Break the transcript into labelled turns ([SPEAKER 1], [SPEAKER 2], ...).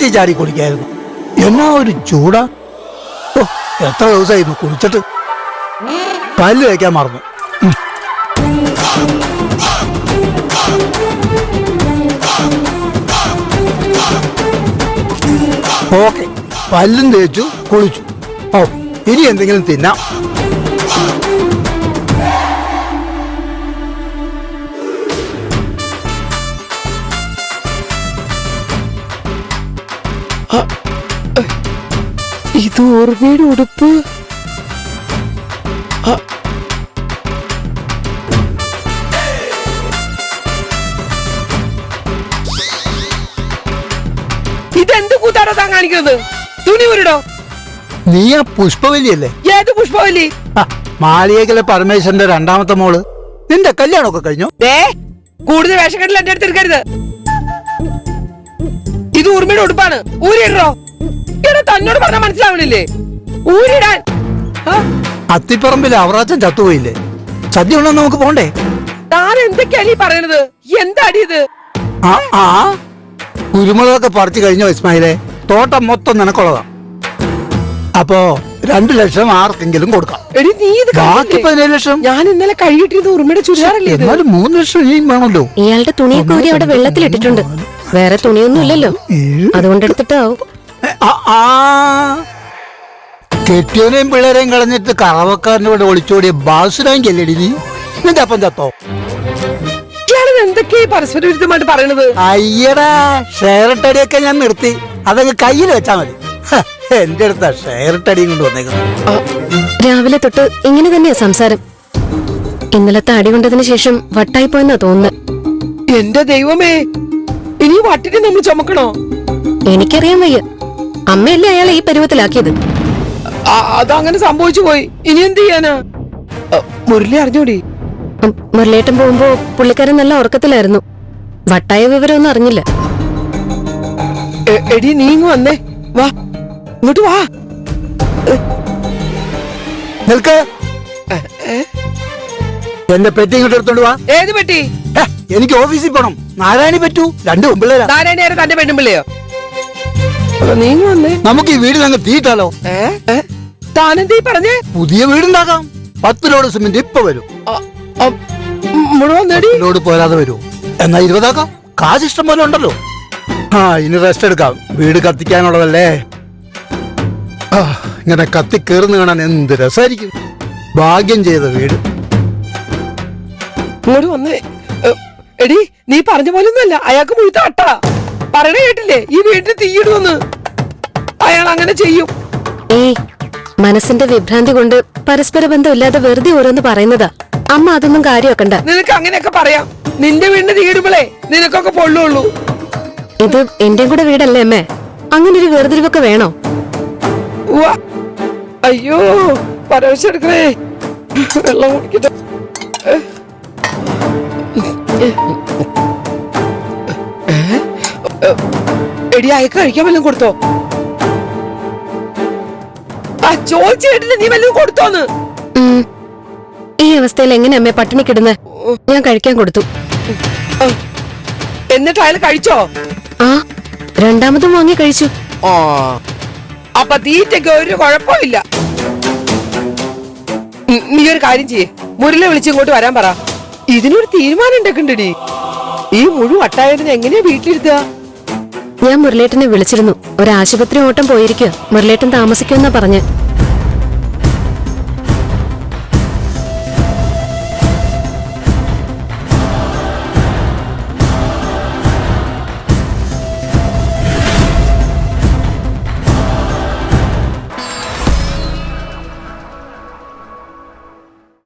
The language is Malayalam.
[SPEAKER 1] കിണറ്റി ചാടി കുളിക്കായിരുന്നു. എന്നാ ഒരു ചൂടാ. ഓ, എത്ര ദിവസമായിരുന്നു കുളിച്ചിട്ട്. പല്ല് വയ്ക്കാൻ മറന്നു. ഓക്കെ, പല്ലും തേച്ചു കുളിച്ചു. ഓ, ഇനി എന്തെങ്കിലും തിന്നാം.
[SPEAKER 2] ഇത് ഓർമ്മയുടെ ഉടുപ്പ്. ഇതെന്ത് കൂത്താടോ താൻ കാണിക്കുന്നത്? തുണി ഉരുടോ.
[SPEAKER 1] നീ ആ പുഷ്പവല്ലിയല്ലേ?
[SPEAKER 2] ഏത് പുഷ്പവല്ലി?
[SPEAKER 1] മാളിയേക്കലെ പരമേശ്വരന്റെ രണ്ടാമത്തെ മോള്. നിന്റെ കല്യാണമൊക്കെ കഴിഞ്ഞു?
[SPEAKER 2] കൂടുതൽ വേഷക്കെട്ടിൽ എന്റെ അടുത്ത് എടുക്കരുത്. ഇത് ഊർമ്മയുടെ ഉടുപ്പാണ്. ഊരിടോ. ഇവിടെ തന്നോട് പറഞ്ഞാൽ മനസ്സിലാവണില്ലേ? ഊരിടാൻ.
[SPEAKER 1] അത്തിപ്പറമ്പിൽ അവറാച്ചൻ ചത്തുപോയില്ലേ? സദ്യ ഉണ്ടോ? നമുക്ക് പോണ്ടേ?
[SPEAKER 2] താൻ എന്തൊക്കെയാണ് ഈ പറയണത്? എന്താടി ഇത്?
[SPEAKER 1] കുരുമുളകൊക്കെ പറിച്ചു കഴിഞ്ഞോ ഇസ്മായിലെ? തോട്ടം മൊത്തം നിനക്കുള്ളതാ. അപ്പോ 2 ലക്ഷം ആർക്കെങ്കിലും കൊടുക്കാം. ബാക്കി 17 ലക്ഷം
[SPEAKER 2] ഞാൻ ഇന്നലെ കഴുകിട്ടിരുന്ന ഉറുമയുടെ ചുരിദാറല്ലേ?
[SPEAKER 1] എന്നാലും 3 ലക്ഷം ഇനിയും വേണമല്ലോ.
[SPEAKER 3] ഇയാളുടെ തുണിയൊക്കെ ഊരി അവിടെ വെള്ളത്തിലിട്ടിട്ടുണ്ട്. വേറെ തുണിയൊന്നും ഇല്ലല്ലോ, അതുകൊണ്ട് എടുത്തിട്ടാവും.
[SPEAKER 1] കെട്ടിയവനെയും പിള്ളേരെയും കളഞ്ഞിട്ട് കറവക്കാരന്റെ കൂടെ ഒളിച്ചോടിയ ബാസുരാങ്കി അല്ലേടി നീ? നിന്റെ അപ്പം ചത്തോ?
[SPEAKER 2] എന്തൊക്കെയാ പരസ്പര വിരുദ്ധമായിട്ട് പറയണത്?
[SPEAKER 1] അയ്യടാ, ഷെയറിട്ടടിയൊക്കെ ഞാൻ നിർത്തി. അതങ്ങ് കയ്യിൽ വെച്ചാ മതി. എന്റെ അടുത്താ ഷെയറിട്ടടിയും കൊണ്ട് വന്നേക്കുന്നത്.
[SPEAKER 3] രാവിലെ തൊട്ട് ഇങ്ങനെ തന്നെയാ സംസാരം. ഇന്നലത്തെ അടി കൊണ്ടതിന് ശേഷം വട്ടായി പോയെന്നാ തോന്നുന്നത്.
[SPEAKER 2] എന്റെ ദൈവമേ, ഇനി വട്ടിനെ നമ്മൾ ചുമക്കണോ?
[SPEAKER 3] എനിക്കറിയാൻ വയ്യ. അമ്മയല്ലേ അയാളെ ഈ പരുവത്തിലാക്കിയത്.
[SPEAKER 2] അതങ്ങനെ സംഭവിച്ചു പോയി. ഇനി എന്ത് ചെയ്യാനാ? മുരളി അറിഞ്ഞോടി?
[SPEAKER 3] മുരളിയേട്ടൻ പോകുമ്പോ പുള്ളിക്കാരൻ നല്ല ഉറക്കത്തിലായിരുന്നു. വട്ടായ വിവരമൊന്നും അറിഞ്ഞില്ല.
[SPEAKER 2] എടി, നീ ഇങ്ങ് വന്നേ. വാ, ഇങ്ങോട്ട് വാ.
[SPEAKER 1] നിൽക്ക്. എന്റെ പെട്ടി ഇങ്ങോട്ട് എടുത്തോണ്ട് വാ.
[SPEAKER 2] ഏത് പെട്ടി?
[SPEAKER 1] എനിക്ക് ഓഫീസിൽ പോണം. നാരായണി പറ്റൂ. 2 പെമ്പിള്ളേരാ.
[SPEAKER 2] നാരായണി തന്റെ പെണ്ണുമ്പിള്ളയോ? നീ വന്നേ.
[SPEAKER 1] നമുക്ക് ഈ വീട് ഞങ്ങൾ തീയിട്ടാലോ?
[SPEAKER 2] താനെന്തീ പറഞ്ഞേ?
[SPEAKER 1] പുതിയ വീടുണ്ടാക്കാം. 10 ലോഡ് സിമെന്റ് ഇപ്പൊ വരും. ലോഡ് പോരാതെ വരൂ. എന്നാ 20 ആക്കാം. കാശ് ഇഷ്ടം പോലെ ഉണ്ടല്ലോ. ഇനി റെസ്റ്റ് എടുക്കാം. വീട് കത്തിക്കാനുള്ളതല്ലേ. ഇങ്ങനെ കത്തി കേറുന്ന കാണാൻ എന്ത് രസമായിരിക്കും. ഭാഗ്യം ചെയ്ത വീട്.
[SPEAKER 2] ഇങ്ങോട്ട് വന്നേ. എടി, നീ പറഞ്ഞ പോലൊന്നുമല്ല. അയാൾക്ക് മുഴുത്ത അട്ടാ. പറയണ കേട്ടില്ലേ? ഈ വീട്ടിൽ തീയിടുമെന്ന്. അയാൾ അങ്ങനെ ചെയ്യും.
[SPEAKER 3] മനസ്സിന്റെ വിഭ്രാന്തി കൊണ്ട് പരസ്പര ബന്ധമില്ലാതെ വെറുതെ ഓരോന്ന് പറയുന്നതാ. അമ്മ അതൊന്നും കാര്യമാക്കണ്ട.
[SPEAKER 2] നിനക്ക് അങ്ങനെയൊക്കെ പറയാം. നിന്റെ വീടിന് തീയിടുമ്പോളേ നിനക്കൊക്കെ പൊള്ളുള്ളൂ.
[SPEAKER 3] ഇത് എന്റെയും കൂടെ വീടല്ലേ അമ്മേ? അങ്ങനെ ഒരു വേർതിരിവൊക്കെ വേണോ?
[SPEAKER 2] അയ്യോ, പരവശെടുക്കണേ. വെള്ളം കുടിക്കട്ടെ. എടി, അയക്ക് കഴിക്കാൻ വല്ലതും കൊടുത്തോ? ചോദിച്ചു കേട്ടില്ല. നീ വല്ലതും കൊടുത്തോന്ന്?
[SPEAKER 3] ഈ അവസ്ഥയിൽ എങ്ങനെ അമ്മേ പട്ടിണി കിടുന്നേ? ഞാൻ കഴിക്കാൻ കൊടുത്തു.
[SPEAKER 2] എന്നിട്ട് അയാൾ കഴിച്ചോ?
[SPEAKER 3] രണ്ടാമതും വാങ്ങി കഴിച്ചു.
[SPEAKER 2] അപ്പൊ തീറ്റയ്ക്ക് ഒരു കുഴപ്പമില്ല. നീ ഒരു കാര്യം ചെയ്യേ, മുരളെ വിളിച്ച് ഇങ്ങോട്ട് വരാൻ പറ. ഇതിനൊരു തീരുമാനം ഉണ്ടാക്കണ്ടടി. ഈ മുഴുവൻ വട്ടായതിനെ എങ്ങനെയാ വീട്ടിലിരുത്തുക?
[SPEAKER 3] ഞാൻ മുരളേട്ടനെ വിളിച്ചിരുന്നു. ഒരു ആശുപത്രി ഓട്ടം പോയിരിക്കുക. മുരളേട്ടൻ താമസിക്കുമെന്നാ പറഞ്ഞ്.